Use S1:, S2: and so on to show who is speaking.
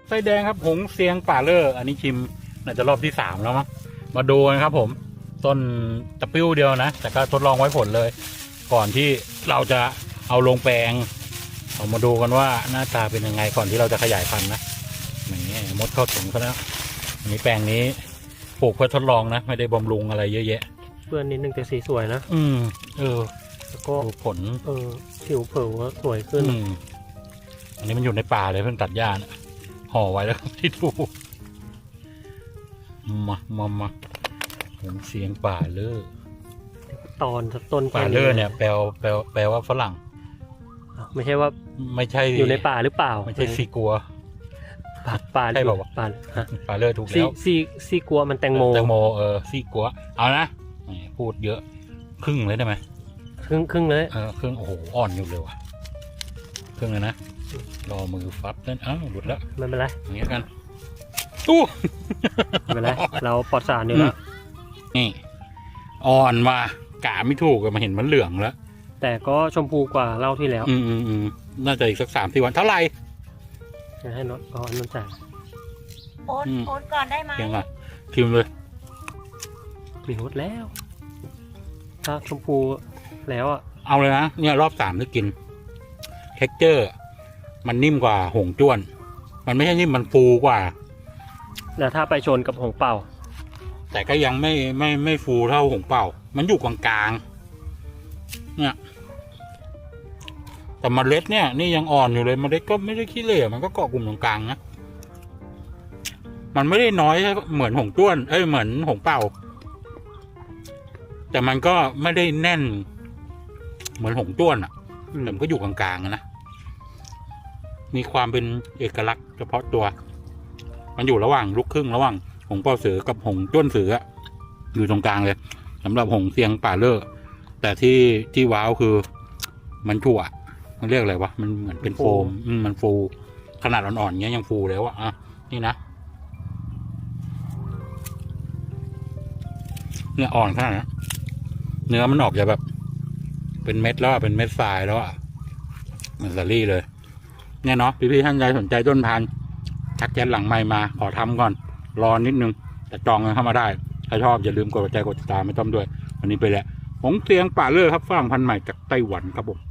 S1: ไส้แดงครับหงเซียงป่าเลอร์อันนี้ชิมน่าจะรอบที่3แล้วมั้งมาดูกันครับผมต้นตะปิ้วเดียวนะแต่ก็ทดลองไว้ผลเลย ก่อนที่เราจะเอาลงแปลงเอามาดูกันว่าหน้าตาเป็นยังไงก่อนที่เราจะขยายพันธุ์นะอย่างนี้มดเข้าถึงซะแล้วอันนี้แปลงนี้ปลูกเพื่อทดลองนะไม่ได้บำรุงอะไรเยอะแยะ
S2: เพื่อนนิดนึงแต่สีสวยนะ
S1: แล้วก็ผล
S2: ผิวเผยสวยขึ้น
S1: อันนี้มันอยู่ในป่าเลยเพิ่งตัดหญ้านะห่อไว้แล้วที่ดูมาผมเสียงป่าเลอ
S2: ต้น
S1: ป่าเลอเนี่ยแปลว่าฝรั่ง
S2: ไม่ใช่ว่า
S1: ไม่ใช่
S2: อยู่ในป่าหรือเปล่า
S1: ไม่ใช่ซีกัว
S2: ป่า
S1: ใช่ป่าวป่าเลอถูกแล้ว
S2: ซีกัวมันแตงโม
S1: ซีกัวเอานะพูดเยอะครึ่งเลยได้ไหม
S2: ครึ่งเลย
S1: ครึ่งโอ้โหอ่อนอยู่เลยว่ะครึ่งเลยนะรอมือฟับนั่นหลุดแล้ว
S2: ไม่เป็นไร
S1: อย่างเงี้ยกันตู้
S2: ไม่เป็นไรเราปลอดสารอยู่แล้ว
S1: นี่อ่อนว่ะกาไม่ถูกมาเห็นมันเหลืองแล้ว
S2: แต่ก็ชมพูกว่าเล่าที่แล้ว
S1: น่าจะอีกสัก3-4 วันเท่าไหร่
S2: จะให้น้องนนจ่าย
S3: โอนก่อนได้ไหม
S1: ยังไงชิมเลย
S2: มีฮดแล้วถ้าชมพูแล้ว
S1: เอาเลยนะเนี่ยรอบ3ที่กินเท็กเจอร์มันนิ่มกว่าหงจ้วนมันไม่ใช่นิ่มมันฟูกว่า
S2: แล้วถ้าไปชนกับหงเป่า
S1: แต่ก็ยังไม่ฟูเท่าหงเป่ามันอยู่กลางๆเนี่ยแต่เมล็ดเนี่ยนี่ยังอ่อนอยู่เลยเมล็ดก็ไม่ได้ขี้เหร่มันก็เกาะกลุ่มตรงกลางนะมันไม่ได้น้อยเหมือนหงจ้วนเหมือนหงเป่าแต่มันก็ไม่ได้แน่นเหมือนหงจ้วนแต่มันก็อยู่กลางๆนะมีความเป็นเอกลักษณ์เฉพาะตัวมันอยู่ระหว่างลูกครึ่งระหว่างหงเป่าเสือกับหงจ้วนเสืออยู่ตรงกลางเลยสำหรับหงเซียงป่าเลอแต่ที่ว้าวคือมันถั่วมันเรียกอะไรวะมันเหมือนเป็นโฟมมันฟูขนาดอ่อนๆเงี้ยยังฟูแล้วนี่นะเนี่ยอ่อนขนาดนี้เนื้อมันออกจะแบบเป็นเม็ดแล้วเป็นเม็ดทรายแล้วเหมือนสาลี่เลยเนี่ยเนาะพี่ท่านใดสนใจต้นพันธุ์ทักแชทหลังไมค์มาขอทำก่อนรอนิดนึงแต่จองกันเข้ามาได้ถ้าชอบอย่าลืมกดหัวใจกดติดตามไม่ต้องด้วยวันนี้ไปแล้วหงเซียงป่าเลอครับฝรั่งพันธุ์ใหม่จากไต้หวันครับผม